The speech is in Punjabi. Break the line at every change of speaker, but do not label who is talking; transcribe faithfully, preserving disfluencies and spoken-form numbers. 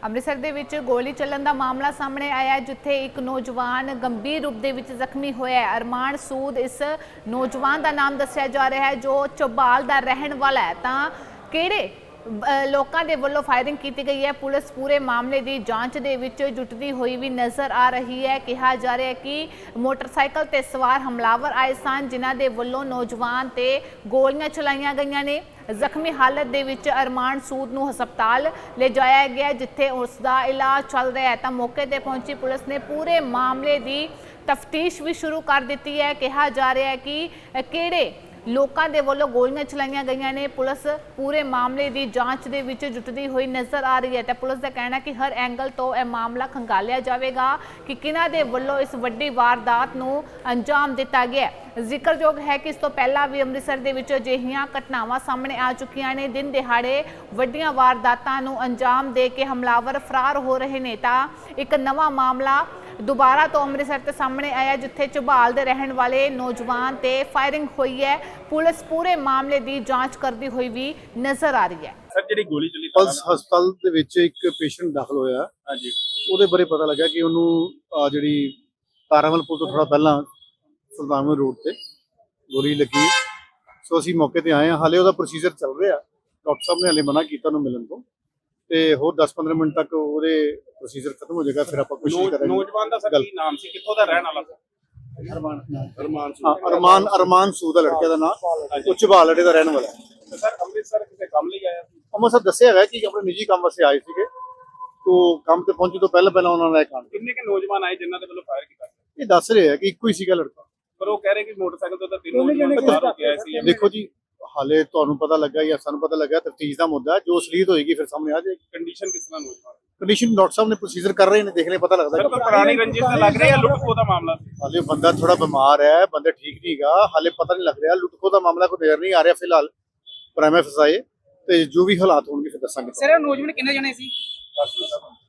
ਅੰਮ੍ਰਿਤਸਰ ਦੇ ਵਿੱਚ ਗੋਲੀ ਚੱਲਣ ਦਾ ਮਾਮਲਾ ਸਾਹਮਣੇ ਆਇਆ, ਜਿੱਥੇ ਇੱਕ ਨੌਜਵਾਨ ਗੰਭੀਰ ਰੂਪ ਦੇ ਵਿੱਚ ਜ਼ਖਮੀ ਹੋਇਆ ਹੈ। ਅਰਮਾਨ ਸੂਦ ਇਸ ਨੌਜਵਾਨ ਦਾ ਨਾਮ ਦੱਸਿਆ ਜਾ ਰਿਹਾ ਹੈ, ਜੋ ਚੌਬਾਲ ਦਾ ਰਹਿਣ ਵਾਲਾ ਹੈ। ਤਾਂ ਕਿਹੜੇ ਲੋਕਾਂ ਦੇ ਵੱਲੋਂ ਫਾਇਰਿੰਗ ਕੀਤੀ ਗਈ ਹੈ, ਪੁਲਿਸ ਪੂਰੇ ਮਾਮਲੇ ਦੀ ਜਾਂਚ ਦੇ ਵਿੱਚ ਜੁਟਦੀ ਹੋਈ ਵੀ ਨਜ਼ਰ ਆ ਰਹੀ ਹੈ। ਕਿਹਾ ਜਾ ਰਿਹਾ ਹੈ ਕਿ ਮੋਟਰਸਾਈਕਲ ਤੇ ਸਵਾਰ ਹਮਲਾਵਰ ਆਏ ਸਨ, ਜਿਨ੍ਹਾਂ ਦੇ ਵੱਲੋਂ ਨੌਜਵਾਨ ਤੇ ਗੋਲੀਆਂ ਚਲਾਈਆਂ ਗਈਆਂ ਨੇ। ਜ਼ਖਮੀ ਹਾਲਤ ਦੇ ਵਿੱਚ ਅਰਮਾਨ ਸੂਦ ਨੂੰ ਹਸਪਤਾਲ ਲਿਜਾਇਆ ਗਿਆ, ਜਿੱਥੇ ਉਸ ਦਾ ਇਲਾਜ ਚੱਲ ਰਿਹਾ ਹੈ। ਤਾਂ ਮੌਕੇ ਤੇ ਪਹੁੰਚੀ ਪੁਲਿਸ ਨੇ ਪੂਰੇ ਮਾਮਲੇ ਦੀ ਤਫਤੀਸ਼ ਵੀ ਸ਼ੁਰੂ ਕਰ ਦਿੱਤੀ ਹੈ। ਕਿਹਾ ਜਾ ਰਿਹਾ ਹੈ ਕਿ ਕਿਹੜੇ ਲੋਕਾਂ ਦੇ ਵੱਲੋਂ ਗੋਲੀਆਂ ਚਲਾਈਆਂ ਗਈਆਂ ਨੇ। ਪੁਲਿਸ ਪੂਰੇ ਮਾਮਲੇ ਦੀ ਜਾਂਚ ਦੇ ਵਿੱਚ ਜੁਟਦੀ ਹੋਈ ਨਜ਼ਰ ਆ ਰਹੀ ਹੈ। ਤੇ ਪੁਲਿਸ ਦਾ ਕਹਿਣਾ ਕਿ ਹਰ ਐਂਗਲ ਤੋਂ ਇਹ ਮਾਮਲਾ ਖੰਗਾਲਿਆ ਜਾਵੇਗਾ ਕਿ ਕਿਹਨਾਂ ਦੇ ਵੱਲੋਂ ਇਸ ਵੱਡੀ ਵਾਰਦਾਤ ਨੂੰ ਅੰਜਾਮ ਦਿੱਤਾ ਗਿਆ। ਜ਼ਿਕਰਯੋਗ ਹੈ ਕਿ ਇਸ ਤੋਂ ਪਹਿਲਾਂ ਵੀ ਅੰਮ੍ਰਿਤਸਰ ਦੇ ਵਿੱਚ ਅਜਿਹੀਆਂ ਘਟਨਾਵਾਂ ਸਾਹਮਣੇ ਆ ਚੁੱਕੀਆਂ ਨੇ। ਦਿਨ ਦਿਹਾੜੇ ਵੱਡੀਆਂ ਵਾਰਦਾਤਾਂ ਨੂੰ ਅੰਜਾਮ ਦੇ ਕੇ ਹਮਲਾਵਰ ਫਰਾਰ ਹੋ ਰਹੇ ਨੇ। ਤਾਂ ਇੱਕ ਨਵਾਂ ਮਾਮਲਾ ਦੁਬਾਰਾ ਤੋਂ ਅੰਮ੍ਰਿਤਸਰ ਤੇ ਸਾਹਮਣੇ ਆਇਆ, ਜਿੱਥੇ ਝਬਾਲ ਦੇ ਰਹਿਣ ਵਾਲੇ ਨੌਜਵਾਨ ਤੇ ਫਾਇਰਿੰਗ ਹੋਈ ਹੈ। ਪੁਲਿਸ ਪੂਰੇ ਮਾਮਲੇ ਦੀ ਜਾਂਚ ਕਰਦੀ ਹੋਈ ਵੀ ਨਜ਼ਰ ਆ ਰਹੀ ਹੈ।
ਸਰ ਜਿਹੜੀ ਗੋਲੀ ਚੱਲੀ
ਪਲਸ ਹਸਪਤਾਲ ਦੇ ਵਿੱਚ ਇੱਕ ਪੇਸ਼ੈਂਟ ਦਾਖਲ ਹੋਇਆ।
ਹਾਂਜੀ,
ਉਹਦੇ ਬਾਰੇ ਪਤਾ ਲੱਗਾ ਕਿ ਉਹਨੂੰ ਜਿਹੜੀ ਤਾਰਾਮਲ ਪੁਲ ਤੋਂ ਥੋੜਾ ਪਹਿਲਾਂ ਸੁਲਤਾਨਪੁਰ ਰੋਡ ਤੇ ਗੋਲੀ ਲੱਗੀ। ਸੋ ਅਸੀਂ ਮੌਕੇ ਤੇ ਆਏ ਹਾਂ। ਹਾਲੇ ਉਹਦਾ ਪ੍ਰੋਸੀਜਰ ਚੱਲ ਰਿਹਾ। ਡਾਕਟਰ ਸਾਹਿਬ ਨੇ ਹਾਲੇ ਮਨਾ ਕੀਤਾ ਉਹਨੂੰ ਮਿਲਣ ਤੋਂ, ਤੇ ਹੋਰ ਦਸ ਪੰਦਰਾਂ ਮਿੰਟ ਤੱਕ ਉਹਦੇ ਪ੍ਰੋਸੀਜਰ ਖਤਮ ਹੋ ਜਾਏਗਾ। ਫਿਰ ਆਪਾਂ ਕੋਸ਼ਿਸ਼ ਕਰਾਂਗੇ।
ਨੌਜਵਾਨ ਦਾ ਸਰ ਕੀ ਨਾਮ ਸੀ, ਕਿੱਥੋਂ ਦਾ ਰਹਿਣ ਵਾਲਾ ਸੀ?
ਅਰਮਾਨ
ਅਰਮਾਨ
ਹਾਂ, ਅਰਮਾਨ ਅਰਮਾਨ ਸੂਦ ਦਾ ਲੜਕੇ ਦਾ ਨਾਮ, ਉਹ ਝਬਾਲ ਅੱਡੇ ਦਾ ਰਹਿਣ ਵਾਲਾ ਹੈ।
ਸਰ ਅੰਮ੍ਰਿਤਸਰ ਕਿਸੇ ਕੰਮ ਲਈ ਆਇਆ ਸੀ?
ਅੰਮ੍ਰਿਤਸਰ ਦੱਸਿਆ ਹੈਗਾ ਕਿ ਆਪਣੇ ਨਿੱਜੀ ਕੰਮ ਵਾਸਤੇ ਆਏ ਸੀਗੇ। ਤੋਂ ਕੰਮ ਤੇ ਪਹੁੰਚੇ ਤੋਂ ਪਹਿਲਾਂ ਪਹਿਲਾਂ ਉਹਨਾਂ ਨੇ ਕੰਮ
ਕਿੰਨੇ ਕੇ ਨੌਜਵਾਨ ਆਏ ਜਿਨ੍ਹਾਂ ਦੇ ਵੱਲੋਂ ਫਾਇਰ ਕੀਤਾ?
ਇਹ ਦੱਸ ਰਹੇ ਆ ਕਿ ਇੱਕੋ ਹੀ ਸੀਗਾ ਲੜਕਾ,
ਪਰ ਉਹ ਕਹਿ ਰਹੇ ਕਿ ਮੋਟਰਸਾਈਕਲ ਤੋਂ ਤਾਂ ਤਿੰਨ ਨੌਜਵਾਨ ਫਰਾਰ ਹੋ ਕੇ ਆਏ ਸੀ।
ਦੇਖੋ ਜੀ, ਹਾਲੇ ਤੁਹਾਨੂੰ ਪਤਾ ਲੱਗਾ ਜਾਂ ਸਾਨੂੰ ਪਤਾ ਲੱਗਾ, ਤਫਤੀਸ਼ ਦਾ ਮੁੱਦਾ ਜੋ ਅਸਲੀਅਤ ਹੋਏਗੀ ਫਿਰ ਸਾਹਮਣੇ ਆ ਜਾਏਗੀ।
ਕੰਡੀਸ਼ਨ ਕਿਸ ਤਰ੍ਹਾਂ ਨੌਜਵਾਨ?
ਕੰਡੀਸ਼ਨ ਡਾਕਟਰ ਸਾਹਿਬ ਨੇ ਪ੍ਰੋਸੀਜਰ ਕਰ ਰਹੇ ਨੇ, ਦੇਖ ਲੈ ਪਤਾ ਲੱਗਦਾ।
ਸਰ ਕੋਈ ਪੁਰਾਣੀ ਰੰਜਿਸ਼ ਤਾਂ ਲੱਗ ਰਹੀ ਹੈ, ਲੁੱਟ ਖੋਹ ਦਾ ਮਾਮਲਾ ਸੀ?
ਹਾਲੇ ਬੰਦਾ ਥੋੜਾ ਬਿਮਾਰ ਹੈ, ਬੰਦਾ ਠੀਕ ਨਹੀਂਗਾ, ਹਾਲੇ ਪਤਾ ਨਹੀਂ ਲੱਗ ਰਿਹਾ। ਲੁੱਟ ਖੋਹ ਦਾ ਮਾਮਲਾ ਕੋਈ ਨਜ਼ਰ ਨਹੀਂ ਆ ਰਿਹਾ ਫਿਲਹਾਲ। ਪ੍ਰਾਈਮ ਫਸਾਏ ਤੇ ਜੋ ਵੀ ਹਾਲਾਤ ਹੋਣਗੇ ਫਿਰ ਦੱਸਾਂਗੇ।
ਸਰ ਨੌਜਵਾਨ ਕਿੰਨੇ ਜਣੇ ਸੀ?